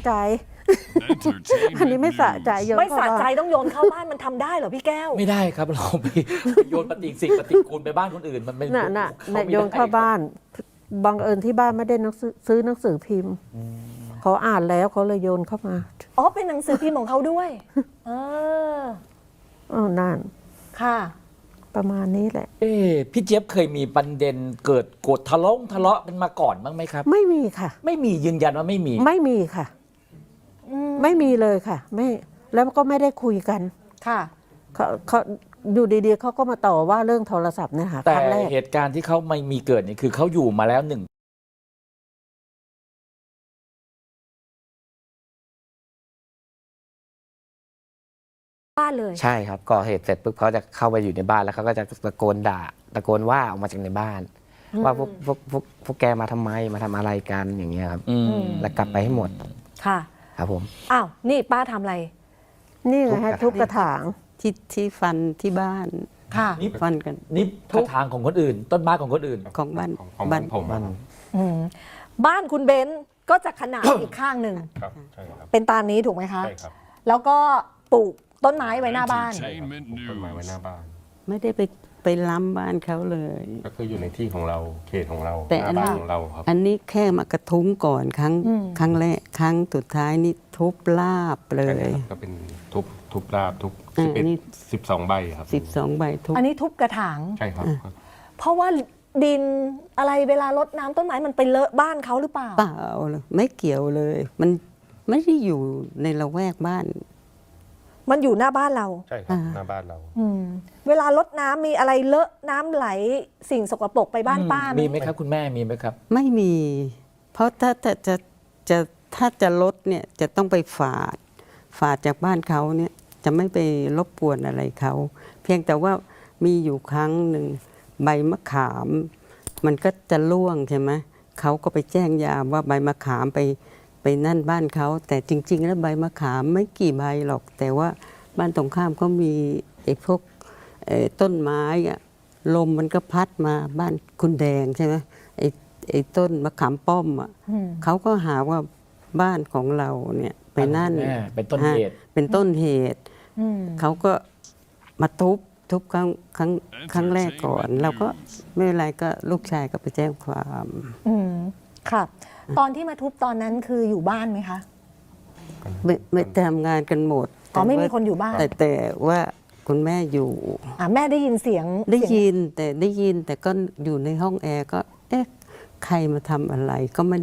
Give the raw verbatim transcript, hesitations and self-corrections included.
ใจ อันนี้ไม่สะใจโยนไม่เข้าสะบ้านใจต้องโยนเข้าบ้านมันทำได้เหรอพี่แก้วไม่ได้ครับเราไปโยนปฏิสิ่งปฏิกูลไปบ้านคนอื่นมันไม่น่ะน่ะเขาน่ะไม่โยนเข้าได้บ้านบังเอิญที่บ้านไม่ได้หนังสือซื้อหนังสือพิมพ์เขาอ่านแล้วเขาเลยโยนเข้ามาอ๋อเป็นหนังสือพิมพ์ของเขาด้วยเอออ๋อนั่นค่ะประมาณนี้แหละเอ๊ะพี่เจี๊ยบเคยมีประเด็นเกิดโกรธทะเลาะทะเลาะกันมาก่อนบ้างไหมครับไม่มีค่ะไม่มียืนยันว่าไม่มีไม่มีค่ะ ไม่มีเลยค่ะ ไม่แล้วก็ไม่ได้คุยกันค่ะเขาเขาอยู่ดีๆเขาก็มาต่อว่าเรื่องโทรศัพท์เนี่ยค่ะแต่ครั้งแรกเหตุการณ์ที่เขาไม่มีเกิดเนี่ยคือเขาอยู่มาแล้วหนึ่งบ้านเลยใช่ครับก่อเหตุเสร็จปุ๊บเขาจะเข้าไปอยู่ในบ้านแล้วเขาก็จะตะโกนด่าตะโกนว่าออกมาจากในบ้าน ว่าพวกพวกพวกพวกแกมาทำไมมาทำอะไรกันอย่างเงี้ยครับอืมแล้วกลับไปให้หมดค่ะครับผมอ้าวนี่ป้าทำอะไรนี่ไงฮะทุบกระถางที่ที่ฟันที่บ้านค่ะนี่ฟันกันนี่กระถางของคนอื่น ต้นไม้ของคนอื่นของบ้านของของบ้านผมบ้านอืมบ้านคุณเบนซ์ก็จะขนาด อีกข้างหนึ่งครับใช่ครับเป็นตามนี้ถูกไหมคะใช่ครับแล้วก็ปลูกต้นไม้ไว้หน้าบ้านใช่ครับปลูกต้นไม้ไว้หน้าบ้านไม่ได้ไปไปล้ำบ้านเขาเลยก็คืออยู่ในที่ของเราเขตของเราแต่หอัน้าน บ้านของเราครับอันนี้แค่มากระทุ้งก่อนครั้งอืมครั้งแรกครั้งสุดท้ายนี่ทุบลาบเลใช่ยครับก็เป็นทุบทุบราบทุบอ่าสิบเอ็ดนี่สิบสองใบครับสิบสองใบทุบอันนี้ทุบกระถางใช่ครับเพราะว่าดินอะไรเวลารดน้ำต้นไม้มันไปเลอะบ้านเขาหรือเปล่าเปล่าเลยไม่เกี่ยวเลย มันไม่ได้อยู่ในละแวกบ้านมันอยู่หน้าบ้านเราใช่ครับอ่าหน้าบ้านเราอืมเวลารดน้ำมีอะไรเลอะน้ำไหลสิ่งสกปรกไปบ้านป้าไหมมีไหมครับคุณแม่มีไหมครับไม่มี เพราะถ้าจะจะจะถ้าจะลดเนี่ยจะต้องไปฝาด ฝาดจากบ้านเขาเนี่ยจะไม่ไปรบกวนอะไรเขา เพียงแต่ว่ามีอยู่ครั้งหนึ่งใบมะขาม มันก็จะร่วงใช่ไหมเขาก็ไปแจ้งยามว่าใบมะขามไปไปนั่นบ้านเขาแต่จริง ๆ แล้วใบมะขามไม่กี่ใบหรอก แต่ว่าบ้านตรงข้ามเขามีไอ้พวกเอ่อต้นไม้อะลมมันก็พัดมาบ้านคุณแดงใช่ไหมไอ้ไอ้ต้นมะขามป้อมอ่ะอืมเขาก็หาว่าบ้านของเราเนี่ยไปนั่นบ้านของแม่เป็นต้นเหตุฮะเป็นต้นเหตุอืมเขาก็มาทุบทุบครั้งครั้งครั้งแรกก่อน เราก็ไม่เป็นไรก็ลูกชายก็ไปแจ้งความอืมค่ะ ตอนที่มาทุบตอนนั้นคืออยู่บ้านไหมคะไม่ไม่ทำงานกันหมดอ๋อไม่มีแต่ว่าคนอยู่บ้านแต่แต่ว่าคุณแม่อยู่อ่าแม่ได้ยินเสียงได้เสีงยินแต่ได้ยินแต่ก็อยู่ในห้องแอร์ก็ เอ๊ะใครมาทำอะไรก็ไม่